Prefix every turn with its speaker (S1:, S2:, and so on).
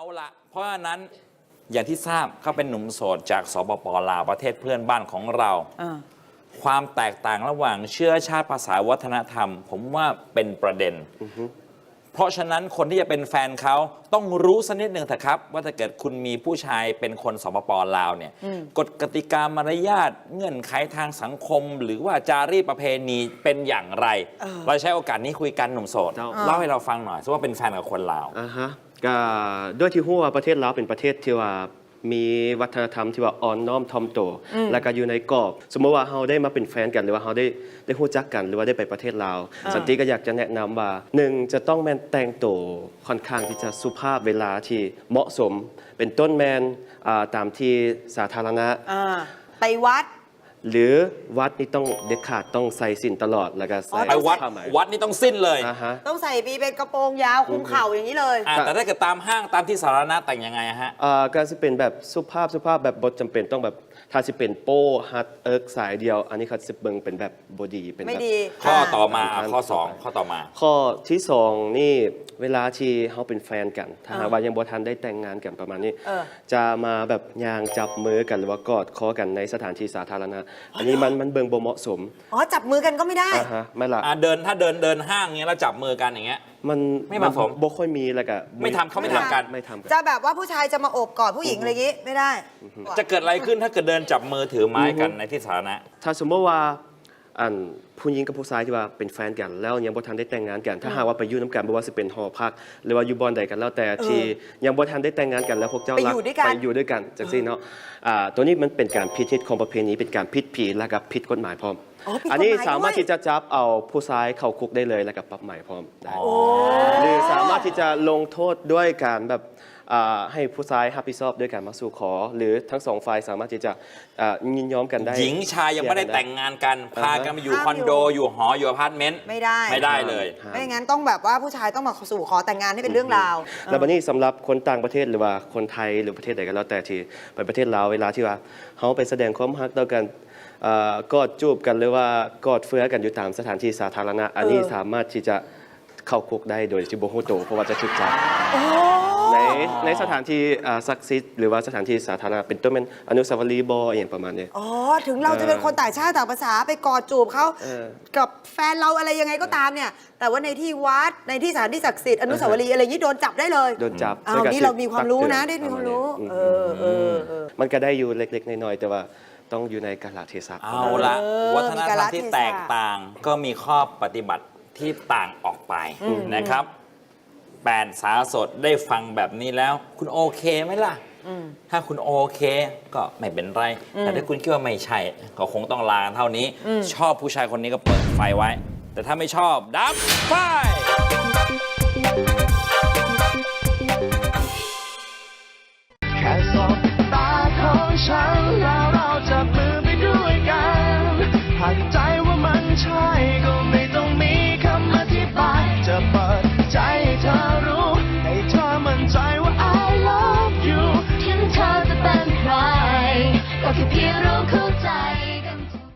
S1: ละเพราะฉะนั้นอย่างที่ทราบเขาเป็นหนุ่มโสดจากสปป.ลาวประเทศเพื่อนบ้านของเราความแตกต่างระหว่างเชื้อชาติภาษาวัฒนธรรม ผมว่าเป็นประเด็นเพราะฉะนั้นคนที่จะเป็นแฟนเขาต้องรู้สักนิดหนึ่งเถอะครับว่าถ้าเกิดคุณมีผู้ชายเป็นคนสปป.ลาวเนี่ยกฎกติกามารยาทเงื่อนไขทางสังคม หรือว่าจารีตประเพณีเป็นอย่างไรเราใช้โอกาสนี้คุยกันหนุ่มโสดเล่าให้เราฟังหน่อยว่าเป็นแฟนกับคนลาว
S2: ก็ด้วยที่หัวประเทศลาวเป็นประเทศที่ว่ามีวัฒนธรรมที่ว่าอ่อนน้อมถ่อมตนแล้วก็อยู่ในกรอบสมมติว่าเราได้มาเป็นแฟนกันหรือว่าเราได้รู้จักกันหรือว่าได้ไปประเทศลาวสันติก็อยากจะแนะนำว่า1จะต้องแมนแต่งตัวค่อนข้างที่จะสุภาพเวลาที่เหมาะสมเป็นต้นแมนตามที่สาธารณะ
S3: ไปวัด
S2: หรือวัดนี่ต้องเด็ดขาดต้องใส่สินตลอดแล้วก็ใส่
S1: ไปวัดนี่ต้องสิ้นเลย
S3: ต้องใส่ปีเป็นกระโปรงยาวคลุมเข่าอย่างนี้เลย
S1: แต่ถ้าเกิดตามห้างตามที่สาธารณะแต่งยังไงฮะ
S2: ก็จะเป็นแบบสุภาพแบบบทจำเป็นต้องแบบถ้าจะเป็นโป้ฮัตสายเดียวอันนี้เขาจะเบิ่งเป็นแบบบดีเป็น
S3: ไม่
S2: แบบ
S3: ดี
S1: ข้อต่อมาข้อ2ข้อต่อมา
S2: ข้อที่2นี่เวลาที่เขาเป็นแฟนกันถ้าหากว่ายังบ่ทันได้แต่งงานกันประมาณนี้จะมาแบบย่างจับมือกันหรือว่ากอดคอกันในสถานที่สาธารณะอันนี้มันเบิ่งบ่เหมาะสม
S3: จับมือกันก็ไม่ได้
S2: ไม่ล่ะ
S1: ถ้าเดินห้างเงี้ยแล้วจับมือกันอย่างเงี้ย
S2: มัน
S1: ไม่เหมาะสม
S2: บ่ค่อยมีแล้วก็
S1: เขาไม่ทำกัน
S3: จะแบบว่าผู้ชายจะมาโอบกอดผู้หญิงอะไรอย่างงี้ไม่ได้
S1: จะเกิดอะไรขึ้นถ้าเกิดเดินจับมือถือไม้กันในที่สาธารณะ
S2: ถ้าสมมติว่าผู้หญิงกับผู้ชายที่ว่าเป็นแฟนกันแล้วยังบ่ทันได้แต่งงานกันถ้าหากว่าไปอยู่น้ำกันไม่ว่าจะเป็นหอพักหรือว่าอยู่บ่อนใดกันแล้วแต่ที่ยังบ่ทันได้แต่งงานกันแล้วพวกเจ้ารักไปอยู่ด้วยกันจังซี่เนาะตัวนี้มันเป็นการผิดนิดของประเพณีเป็นการผิดผีและกับผิดกฎหมายพร้อมอันนี้สามารถที่จะจับเอาผู้ชายเข้าคุกได้เลยและกับปรับใหม่พร้อมได้หรือสามารถที่จะลงโทษด้วยการแบบให้ผู้ชายรับผิดชอบด้วยการมาสู่ขอหรือทั้งสองฝ่ายสามารถที่จะยินยอมกันได้
S1: หญิงชายยังไม่ได้แต่งงานกันพากันมาอยู่คอนโดอยู่หออยู่อพาร์ตเมนต์
S3: ไม่ได้
S1: เลย
S3: ไม่งั้นต้องแบบว่าผู้ชายต้องมาสู่ขอแต่งงานให้เป็นเรื่องราว
S2: แล้ววันนี้สำหรับคนต่างประเทศหรือว่าคนไทยหรือประเทศใดก็แล้วแต่ที่ไปประเทศลาวเวลาที่ว่าเขาไปแสดงความรักต่อกันกอดจูบกันหรือว่ากอดเฟื้อกันอยู่ตามสถานที่สาธารณะอันนี้สามารถที่จะเข้าคุกได้โดยที่บ่ฮู้ตัวเพราะว่าจะถูกจับในสถานที่ศักดิ์สิทธิ์หรือว่าสถานที่สาธารณะเป็นต้นเป็นอนุสาวรีย์อย่างประมาณนี้
S3: ถึงเราจะเป็นคนต่างชาติต่างภาษาไปกอดจูบเขากับแฟนเราอะไรยังไงก็ตามเนี่ยแต่ว่าในที่วัดในที่สถานที่ศักดิ์สิทธิ์อนุสาวรีย์อะไรอย่างนี้โดนจับได้เลย
S2: โดนจับ
S3: นี่เรามีความรู้นะได้มีความรู้
S2: มันก็ได้อยู่เล็กๆน้อยๆแต่ว่าต้องอยู่ในกาลเทศะ
S1: เอาละวัฒนธรรมที่แตกต่างก็มีข้อปฏิบัติที่ต่างออกไปนะครับแปดสาวโสดได้ฟังแบบนี้แล้วคุณโอเคไหมล่ะถ้าคุณโอเคก็ไม่เป็นไรแต่ถ้าคุณคิดว่าไม่ใช่ก็คงต้องลาเท่านี้ชอบผู้ชายคนนี้ก็เปิดไฟไว้แต่ถ้าไม่ชอบดับไฟ